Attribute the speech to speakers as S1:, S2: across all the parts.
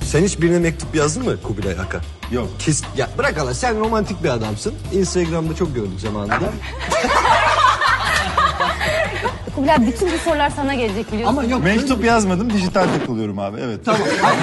S1: Sen hiç birine mektup yazdın mı Kubilay Aka?
S2: Yok.
S1: Ya bırak Allah, sen romantik bir adamsın. Instagram'da çok gördük zamanında.
S3: Kubilay, bütün bu sorular sana gelecek biliyorsun.
S1: Ama yok.
S2: Mektup yazmadım, dijital takılıyorum abi. Evet.
S1: Tamam.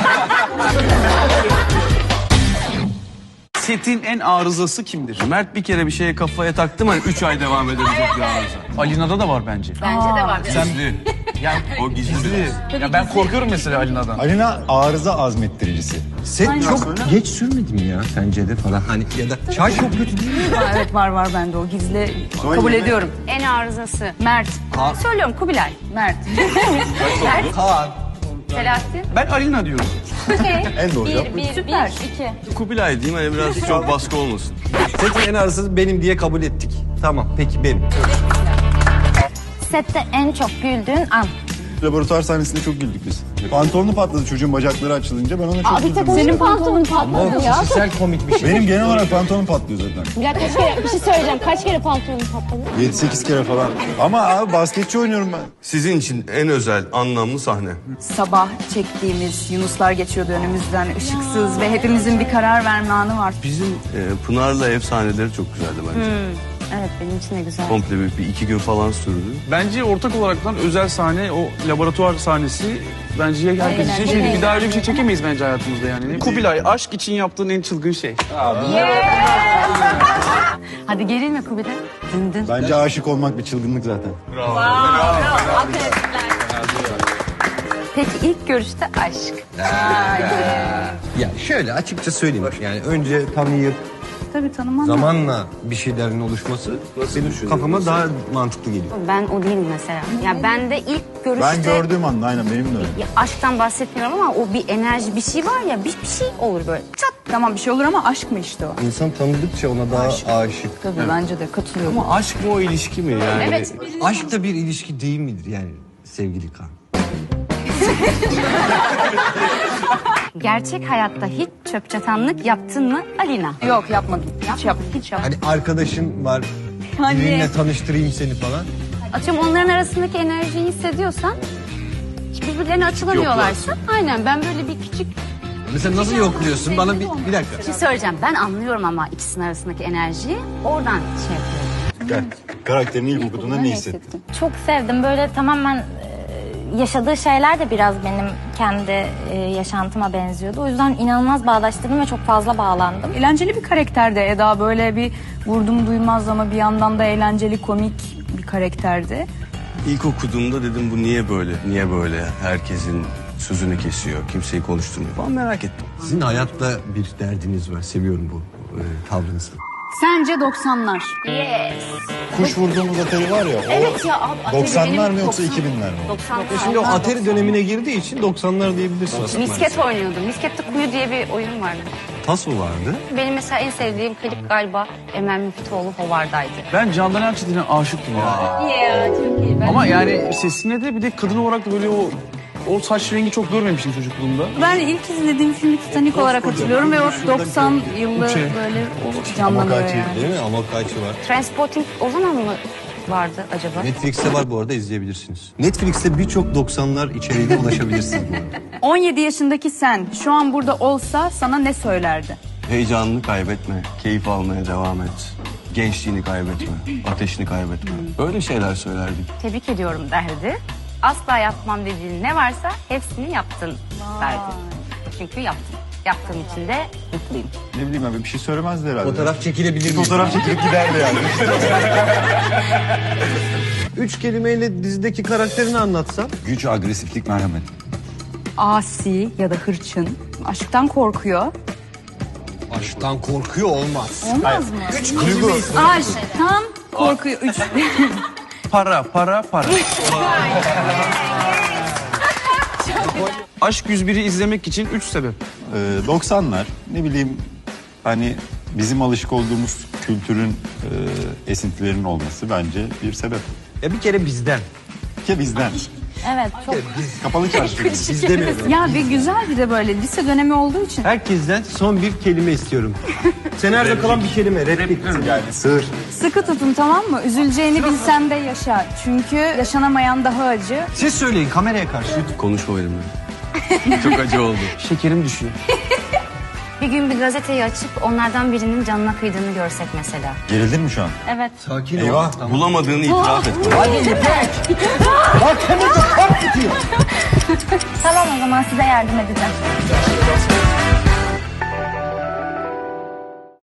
S4: Setin en arızası kimdir? Mert bir kere bir şeye kafaya taktım, hani 3 ay devam edebilecek bir arıza. Alina'da da var bence.
S3: Bence de var.
S4: Gizli. Yani o gizli. Ya ben korkuyorum mesela Alina'dan.
S2: Alina arıza azmettiricisi.
S1: Set çok geç sürmedi mi ya sence de falan, hani ya da çay çok kötü değil mi?
S5: Evet, var bende o gizli. Kabul ediyorum.
S3: En arızası.
S5: Mert.
S3: Söylüyorum Kubilay.
S5: Mert.
S1: Kaan.
S3: Selahattin.
S4: Ben Alina diyorum.
S2: En doğru cevap.
S5: Süper.
S4: Kubilay diyeyim, hani biraz çok baskı olmasın.
S1: Setin en arızası benim diye kabul ettik. Tamam, peki benim.
S3: Sette en çok güldüğün an.
S2: Laboratuvar sahnesinde çok güldük biz. Pantolonu patladı çocuğun, bacakları açılınca ben ona çok üzüldüm.
S5: Senin pantolonun
S1: Ama
S5: patladı ya.
S1: kişisel komik bir şey.
S2: Benim genel olarak pantolonum patlıyor zaten.
S3: Ya kaç kere, bir şey söyleyeceğim. Kaç kere pantolonun patladı?
S2: 7-8 kere falan. Ama abi basketçi oynuyorum ben.
S4: Sizin için en özel, anlamlı sahne.
S5: Sabah çektiğimiz Yunuslar geçiyordu önümüzden, ışıksız ve hepimizin bir karar verme anı var.
S4: Bizim Pınar'la ev sahneleri çok güzeldi bence.
S3: Evet, benim için de güzel.
S4: Komple bir 2 gün falan sürdü. Bence ortak olaraktan özel sahne, o laboratuvar sahnesi bence herkes için şeydi. Bir daha öyle bir şey çekemeyiz bence hayatımızda yani. Kubilay, aşk için yaptığın en çılgın şey.
S3: Hadi gerilme Kubilay. Dın dın.
S2: Bence aşık olmak bir çılgınlık zaten.
S3: Peki ilk görüşte aşk.
S1: Ya şöyle açıkça söyleyeyim, yani önce tanıyıp
S5: Tabii tanımam.
S1: zamanla bir şeylerin oluşması benim kafama daha mantıklı geliyor.
S3: Ben o değilim mesela. Ya ben de ilk görüşte...
S2: Ben gördüğüm anda aynen benim de öyle.
S3: Ya aşktan bahsetmiyorum ama o bir enerji, bir şey var ya, bir şey olur böyle. Çat.
S5: Tamam, bir şey olur ama aşk mı işte o?
S1: İnsan tanıdıkça ona daha aşık.
S5: Tabii bence de katılıyorum.
S4: Ama aşk mı o ilişki mi yani?
S3: Evet.
S1: Aşk da bir ilişki değil midir yani sevgili Kaan?
S3: Gerçek hayatta hiç çöp çatanlık yaptın mı Alina?
S5: Yok, yapmadım. Hiç yapmadım.
S1: Hani arkadaşın var, biriyle tanıştırayım seni falan.
S3: Atıyorum, onların arasındaki enerjiyi hissediyorsan, birbirlerine açılamıyorlarsa. Aynen, ben böyle bir küçük
S1: Mesela nasıl yokluyorsun? Bana bir dakika.
S3: bir şey söyleyeceğim. Ben anlıyorum ama ikisinin arasındaki enerjiyi. Oradan şey yapıyorum.
S2: Gel. Karakterini ilk okuduğunda ne hissettin?
S6: Çok sevdim. Böyle tamamen yaşadığı şeyler de biraz benim kendi yaşantıma benziyordu. O yüzden inanılmaz bağdaştırdım ve çok fazla bağlandım.
S5: Eğlenceli bir karakterdi Eda. Böyle bir vurdum duymaz ama bir yandan da eğlenceli, komik bir karakterdi.
S4: İlk okuduğumda dedim, bu niye böyle? Niye böyle? Herkesin sözünü kesiyor, kimseyi konuşturmuyor falan, merak ettim.
S1: Sizin hayatta bir derdiniz var. Seviyorum bu tavrınızı.
S5: Sence 90'lar?
S3: Yes.
S2: Kuş vurduğumuz Atari var ya,
S3: Evet ya. Abi,
S2: 90'lar mı yoksa 2000'ler mi?
S3: 90'lar.
S1: Şimdi o Atari dönemine girdiği için 90'lar diyebilirsiniz.
S3: Misket oynuyordum. Miskette Kuyu diye bir oyun vardı.
S1: Tas mı vardı?
S3: Benim mesela en sevdiğim klip galiba Emel Müftüoğlu Hovarda'ydı.
S4: Ben Candan Erçetin'e aşıktım ya.
S3: Ya çok iyi.
S4: Ama yani sesine de bir de kadın olarak da böyle o saç rengi çok görmemiştim çocukluğumda.
S5: Ben ilk izlediğim filmi Titanic olarak hatırlıyorum ve o 90 yılı böyle o canlanıyor yani.
S1: Değil mi? Amokachi var.
S3: Transporting o zaman mı vardı acaba?
S1: Netflix'te var bu arada, izleyebilirsiniz. Netflix'te birçok 90'lar içeriğine ulaşabilirsiniz bu arada.
S5: 17 yaşındaki sen şu an burada olsa sana ne söylerdi?
S4: Heyecanını kaybetme, keyif almaya devam et. Gençliğini kaybetme, ateşini kaybetme. Böyle şeyler söylerdik.
S3: Tebrik ediyorum derdi. Asla yapmam dediğin ne varsa hepsini yaptın derdi. Çünkü yaptım. Yaptığım için de mutluyum.
S2: Ne bileyim abi, bir şey söylemezdi herhalde.
S1: Fotoğraf çekilebilir miyim?
S2: Fotoğraf çekilip giderdi yani.
S1: 3 kelimeyle dizideki karakterini anlatsam.
S2: Güç, agresiflik, merhamet.
S5: Asi ya da hırçın. Aşktan korkuyor.
S1: Aşktan korkuyor olmaz.
S5: Olmaz mı?
S1: 3 kelime
S5: Aşktan korkuyor. 3.
S4: Para. Aşk 101'i izlemek için 3 sebep.
S2: 90'lar ne bileyim, hani bizim alışık olduğumuz kültürün esintilerinin olması bence bir sebep.
S1: Ya bir kere bizden.
S2: Ki bizden.
S6: Evet, çok
S2: Kapalı çarşı.
S1: Biz demiyoruz.
S5: Ya bir güzel, bir de böyle lise dönemi olduğu için.
S1: Herkesten son bir kelime istiyorum. Senaryoda kalan bir kelime. Replik.
S2: Yani sır.
S5: Sıkı tutun, tamam mı? Üzüleceğini bilsen de yaşa. Çünkü yaşanamayan daha acı.
S1: Siz söyleyin kameraya karşı.
S4: Konuşma benimle. Çok acı oldu. Şekerim düşüyor.
S3: Bir gün bir gazeteyi açıp onlardan birinin canına kıydığını görsek mesela.
S2: Gerildin mi şu an?
S6: Evet.
S1: Sakin ol.
S2: Eyvah.
S1: Tamam.
S4: Bulamadığını itiraf et.
S6: Tamam o zaman size yardım edeceğim.